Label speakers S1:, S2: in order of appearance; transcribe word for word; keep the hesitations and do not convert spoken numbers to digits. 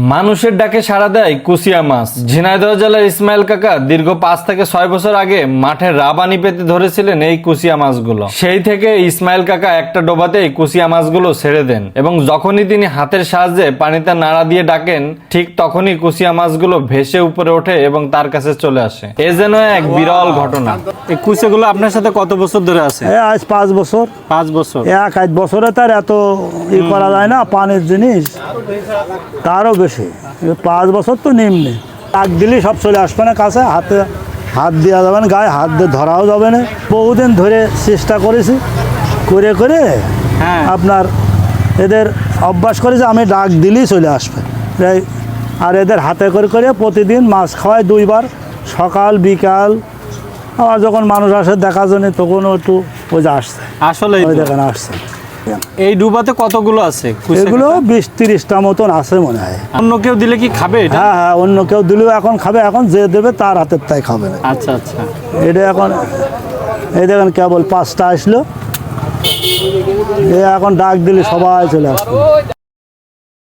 S1: মানুষের ডাকে সাড়া দেয় কুশিয়া মাছ। ঝিনাইদহ জেলার ইসমাইল কাকা দীর্ঘ পাঁচ থেকে ছয় বছর আগে মাঠে রাবানি পেতে ধরেছিলেন এই কুশিয়া মাছগুলো। সেই থেকে ইসমাইল কাকা একটা ডোবাতেই কুশিয়া মাছগুলো ছেড়ে দেন এবং যখনই তিনি হাতের সাহায্যে পানিতে নাড়া দিয়ে ডাকেন ঠিক তখনই কুশিয়া মাছগুলো ভেসে উপরে ওঠে এবং তার কাছে চলে আসে। এ যেন এক বিরল ঘটনা। এই কুশিয়াগুলো আপনার সাথে কত বছর ধরে আছে?
S2: আজ পাঁচ বছর।
S1: পাঁচ বছর।
S2: এক আধ বছরে তার এত ই করা যায় না, পানির জিনিস তারও বেশি। পাঁচ বছর তো নিম্নে, ডাক দিলেই সব চলে আসবে না কাছে, হাতে হাত দেওয়া যাবে না, গায়ে হাত দিয়ে ধরাও যাবে না। বহুদিন ধরে চেষ্টা করেছি, করে করে
S1: হ্যাঁ
S2: আপনার এদের অভ্যাস করেছে আমি ডাক দিলেই চলে আসবে। এই আর এদের হাতে করে করে প্রতিদিন মাছ খাওয়ায় দুইবার, সকাল বিকাল। আবার যখন মানুষ আসে দেখার জন্য তখনও একটু ওই যে আসছে,
S1: আসলে
S2: ওই দেখেন আসছে।
S1: এই ডুবাতে কতগুলো আছে?
S2: এগুলো বিশ তিরিশটা মতন আছে মনে হয়।
S1: অন্য কেউ দিলে কি খাবে এটা?
S2: হ্যাঁ হ্যাঁ, অন্য কেউ দিলেও এখন খাবে, এখন যে দেবে তার হাতের তাই খাবে না।
S1: আচ্ছা আচ্ছা।
S2: এটা এখন এই দেখেন কেবল পাঁচটা আসলো, এ এখন ডাক দিলে সবাই চলে আসবে।